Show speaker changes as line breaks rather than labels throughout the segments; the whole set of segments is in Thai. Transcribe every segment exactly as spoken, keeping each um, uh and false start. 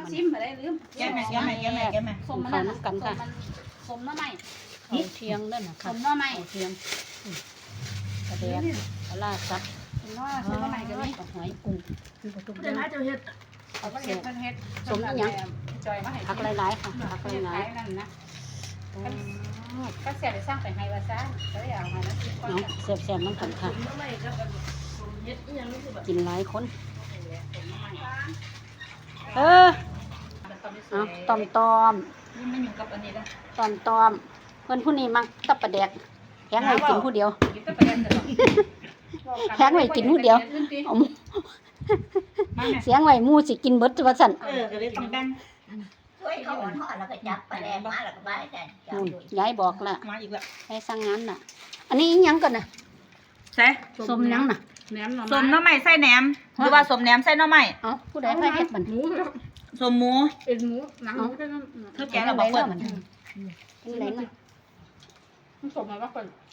ซิมมาได้ลืม
แก้มแม่แก้มแม่แก้มแม่แก้มแม่
สมมันนั่นกันค่ะสมน้ำใหม่
เอาเทียงนั่นน่ะ
ส
ค่ะ
มน้ำใหม่
เอาเทียงกระเดียกปลาซับ
สมน้ำสมน้ำใหม่กันนี่
หอยกุ้งคือประตู
เดี๋ยวนะเจ้าเฮ็ด
เขาก็เห็ดเห็ดจอยมาให้
ผักหลายๆค่ะผักหลาย
นั่นนะ
ๆ
ก็เสียไปสร้างไปให้ว่าซ่าก็เลยเอาให้แล้วกินก่อน
เนาะแซ่บๆน้ำกันค่ะ
น้ำใหม่กับเฮ็ดอีหยังนี่คือแบบ
กินหลายคนเออเอาตอมตอม
นี่มันอยู่กับอันนี้แล้ว
ตอมตอมเพื่อนผู้นี้มักตับปลาแดกแข็งไว้กินผู้เดียว
กินแต่ประเด็นแต่
แข็งไว้กินผู้เดียวเอาเสียงไว้หมู่สิกินเบิดว่าซั่น
เออก็เลยต้องแบ่ง
ช่วยเขาอ่อนทอดแล้วก็จับปลาแดงมาแล้วก็บายกันจับ
นู่น
อยู่
ยายบอกละ
มาอีกแล้ว
ให้สั่งงานน่ะ อันนี้อิหยังก่อนน่ะ
ใส่
ส้มหยังน่ะ
แหนมหน่อ
สม
ไม้
น้ำใหม่ใส่แหนมหรือว่าสมแหนมใส่น้ำใหม่
เอ้าผู้ใดพาเฮ็ดบัด
หมู
สมหมู
เป็นหมูหนังหมูก็นั่น
เธอแกะเราบอกเปิด
มันเป็นไรน่ะ
มันสมมาว่าคน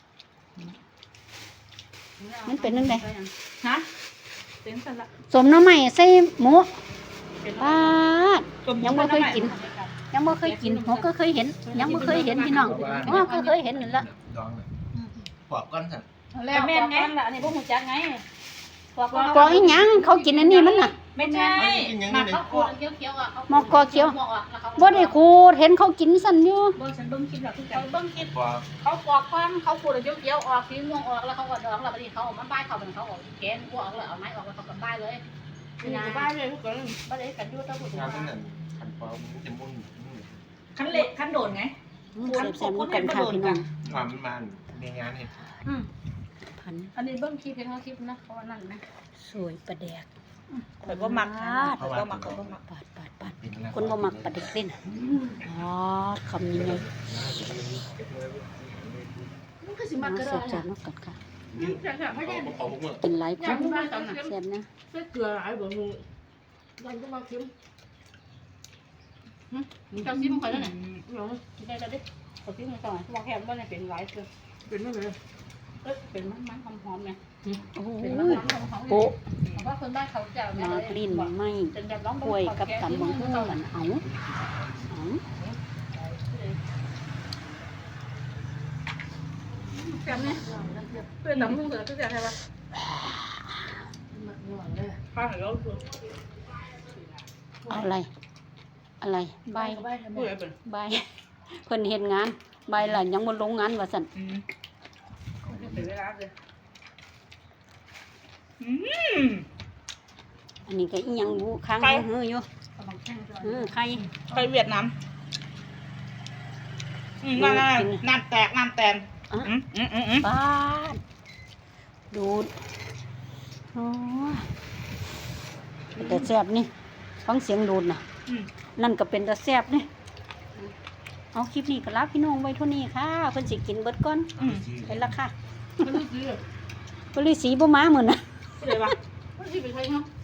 มันเป็นจังได๋
ฮะ
เป็นสลัด
สมหน้ำใหม่ใส่หมู
เป็น
ปาด
สมหมู
ยังบ่เคยกิน ยังบ่เคยกินหัวก็เคยเห็น ยังบ่เคยเห็นพี่น้องหัวก็เคยเห็นนั่นละ
ดองน่ะปอกก้อนสั่น
แล้วแม่ไงล่ะอันนี้พวกหูจักไง
กออีหยังเขากินอันนี้มันน่ะ
ไม่ใช่
มาเขาขูดเคี้ยวๆอ่ะ
หมอกกอเขียว บ่ได้ขูดเห็นเขากินสั่นอยู่
บ่ฉันเบิ่งคลิปแล้วคือกันเบิ่งคลิป
ปอก
เขาปอกความเขาขูดแล้วเคี้ยวๆออกสีม่วงออกแล้วเขาก็ดองแล้วบัดนี้เขาเอามาบ้ายเขาเป็นเขาออกแกนกูออกแล้วเอาไม้ออกแล้วเขาก็บ้ายเลยนะบ้ายเลยทุกคนบ่ได้กันอยู่ตะบุตรง
าน
ว่า
นั้นน่ะขันปอกมันจะมุ่นมุ่น
ขั้นเละขั้นโดนไง
อืมแซ่บๆมันกันค่ะพี่น้อง
ความมันมันในงานเนี่ย
อืม
พัน
อันนี้เบิ่งคลิปเห็นเขาคลิปนะเพราะว่านั่นนะ
สวยปลาแดก
ข่อยบ่มักนะข่อยบ่มักข่อยบ่มัก
ปาดปาดปาด
เป็นแล้ว
คนบ่มักปลาแดกเล่นอ๋อคำนี้ไง
มันก็สิ
มา
มักกระ
แซ่
ดอบ
ๆมากันค่ะ
แซ่บๆไม่ได้
เอาพวกมึง
กินหลายค
อยาก
น
รู้ว่าตอนนั้น
แซ่บนะ
ใส่เกลือหลายบ่มึงมันก็มาเค็มหึมึงจำซิมข่อยแล้วเนี่ยเนาะกินได้แล้วดิขอซิมก่อนบอกแค่ว่าเนี่ยเป็นหลายเกลือเป็นไม่เลยเอ้ยเป็นมันมันหอมๆเนี่ย
โอ้
เป็น
ย
มันมันหอมๆ
โปะ
เพราะว่าคนบ้านเขาจะ
มากลิ้นไหม่
เป็นแบบร้อง
กล้วยกับตำบักหุ่งกันเอาเอา
แซ่บเนี่ยเป็นตำบักหุ่งเสือคือจะใช่ปะข้าวเหนียวคือ
เอาอะไร อะไรใบ
เปื่อยเป็น
ใบเพิ่นเฮ็ดงานใบล่ะยังบ่ลงงานว่าซั่น
อืม
เป็นเวลาเลย
อืม
อันนี้ก็อีหยังบูค้างเฮืออยู่
กำลังแข็งจอย
เออไข่
ไปเวียดนามอืมนั่นๆน้ำแตกน้ำแตนอืมอืมอืมอืม
ปาดดูดโอ้ยแต่แซ่บนี่ฟังเสียงดูดน่ะ
อืม
นั่นก็เป็นตาแซ่บนี่เอาคลิปนี้ก็ลาพี่น้องไว้เท่านี้ค่ะเพิ่นสิกินเบิดก่อน
อืม
ไปละค่ะ
ไม่รู้สิ
บ่ฤาษีบ่มามื้อน่ะ
ก็เลยว่า
ไม่รู้สิเป็นใครเนาะ